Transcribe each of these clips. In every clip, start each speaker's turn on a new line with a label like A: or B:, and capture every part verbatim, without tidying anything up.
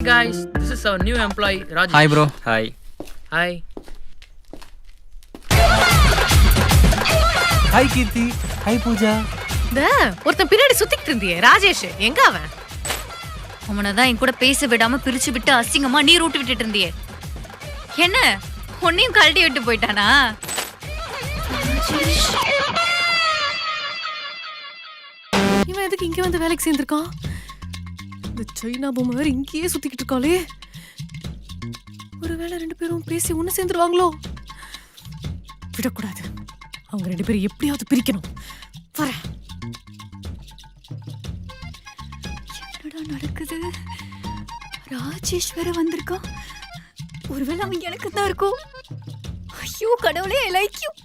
A: guys, this is our new employee Rajesh.
B: Hi bro.
C: Hi.
A: Hi.
D: Hi Kirti. Hi Pooja.
E: த ஒருத்தன் பின்னாடி சுத்திட்டு இருந்தியே ராஜேஷ், எங்க அவன்?
F: அவனதான் என் கூட பேச விடாம பிரிச்சு விட்டு அசிங்கமா நீர் ஊட்டி விட்டுட்டு இருந்தியே, என்ன உன்னையும் கழட்டி விட்டு போயிட்டானா?
E: இவன் எதுக்கு இங்க வந்து வேலைக்கு சேர்ந்திருக்கான்? இந்த சைனா பொம்மை வேற இங்கேயே சுத்திக்கிட்டு இருக்காளே. ஒருவேளை ரெண்டு பேரும் பேசி ஒண்ணு சேர்ந்துருவாங்களோ? விடக்கூடாது, அவங்க ரெண்டு பேரும் எப்படியாவது பிரிக்கணும். வர
F: என்னடா நடக்குது? ராஜேஷ் வேற வந்திருக்கான். ஒருவேளை அவன் எனக்கு தான் இருக்கும். ஐயோ கடவுளே, ஐ லைக் யூ.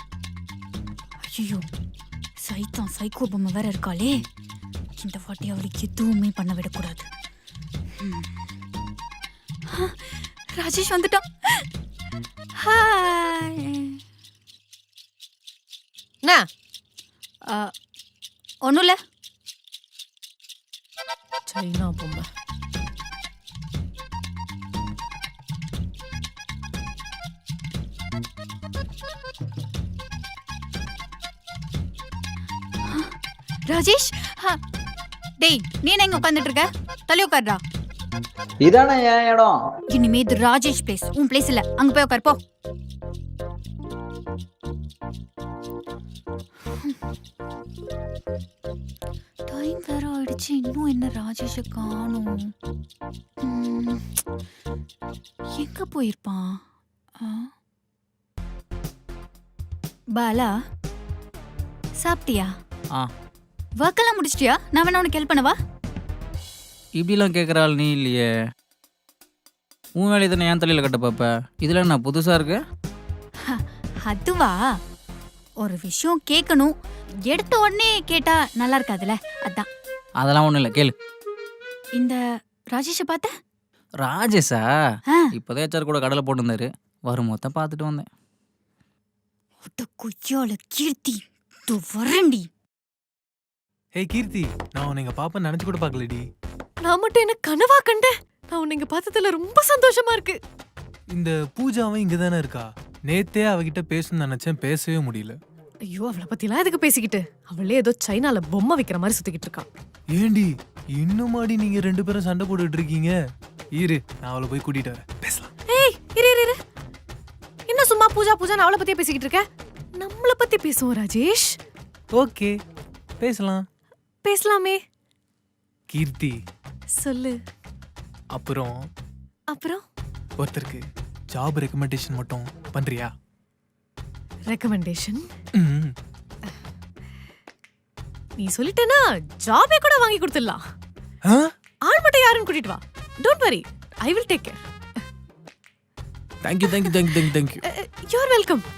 F: ஐயோ சைத்தான் சைக்கோ பொம்மை வேற இருக்காளே. இந்த வாட்டி அவளுக்கு எதுவுமே பண்ண விடக்கூடாது. ராஜேஷ் வந்துட்டான். ஹாய்.
E: என்ன
F: ஒன்றும் இல்லை.
E: சைனா பொம்மை
F: ராஜேஷ், டேய் நீ என்ன இங்க உட்காந்துட்டு இருக்க? தள்ளி உட்காருடா.
C: இதானே என் இடம்.
F: இனிமே இது ராஜேஷ் பிளேஸ், உன் பிளேஸ் இல்ல. அங்க போய் உட்காரு போ. டைம் வேற ஆயிடுச்சு, இன்னும் என்ன ராஜேஷ காணோம். எங்க போயிருப்பான்? பாலா சாப்பிட்டியா?
B: ஆ
F: ஒர்க்கெல்லாம் முடிச்சிட்டியா? நான் வேணா உனக்கு ஹெல்ப் பண்ணவா?
B: இப்படிலாம் கேட்குற ஆள் நீ இல்லையே. உன் வேலையை தானே ஏன் தலையில் கட்ட பார்ப்ப. இதில் என்ன புதுசாக இருக்கு?
F: அதுவா, ஒரு விஷயம் கேட்கணும், எடுத்த உடனே கேட்டா நல்லா இருக்காதுல்ல, அதான்.
B: அதெல்லாம் ஒன்றும் இல்லை, கேளு.
F: இந்த ராஜேஷை பார்த்த?
B: ராஜேஷா?
F: ஆ.
B: இப்போதான் ஹெச்ஆர் கூட கடலை போட்டுருந்தாரு. வரும் மொத்தம் பார்த்துட்டு வந்தேன்.
F: ஒட்ட கொய்யால கீர்த்தி, தோ வரண்டி.
D: Hey Kirti, நான் உன்னை இங்க பாப்ப நினைச்சு கூட பார்க்கலடி.
E: நான் மட்டும் என்ன கனவா கண்டேன்? நான் உன்னை இங்க பார்த்ததுல ரொம்ப சந்தோஷமா இருக்கு.
D: இந்த பூஜாவும் இங்க தானே இருக்கா. நேத்தே அவகிட்ட பேசணும்னு நினைச்சேன், பேசவே முடியல.
E: ஐயோ, அவளை பத்திலாம் எதுக்கு பேசிக்கிட்டு? அவளே ஏதோ சைனால பொம்மை விக்கிற மாதிரி சுத்திக்கிட்டு இருக்கா.
D: ஏண்டி இன்னும் மாடி நீங்க ரெண்டு பேரும் சண்டை போட்டுட்டு இருக்கீங்க? இரு, நான் அவளை போய் கூட்டிட்டு வரேன், பேசலாம்.
E: ஏய் இரு இரு இரு, என்ன சும்மா பூஜா பூஜா அவளை பத்தியே பேசிக்கிட்டு இருக்க? நம்மளை பத்தி பேசுவோம் ராஜேஷ்.
D: ஓகே, பேசலாம்.
E: பேசலாமே.
D: கீர்த்தி
E: சொல்லு.
D: அப்புறம்
E: அப்புறம்
D: ஒருத்தருக்கு ஜாப் ரெக்கமெண்டேஷன் மட்டும் பண்றியா?
E: ரெக்கமெண்டேஷன்?
D: ம்,
E: நீ சொல்லிட்டேனா ஜாபே கூட வாங்கி கொடுத்துடலாம்.
D: ஆ?
E: ஆள் மட்டும் யாருன்னு கூட்டிட்டு வா. Don't worry, I will take care.
D: Thank you thank you thank you thank you thank you
E: you are welcome.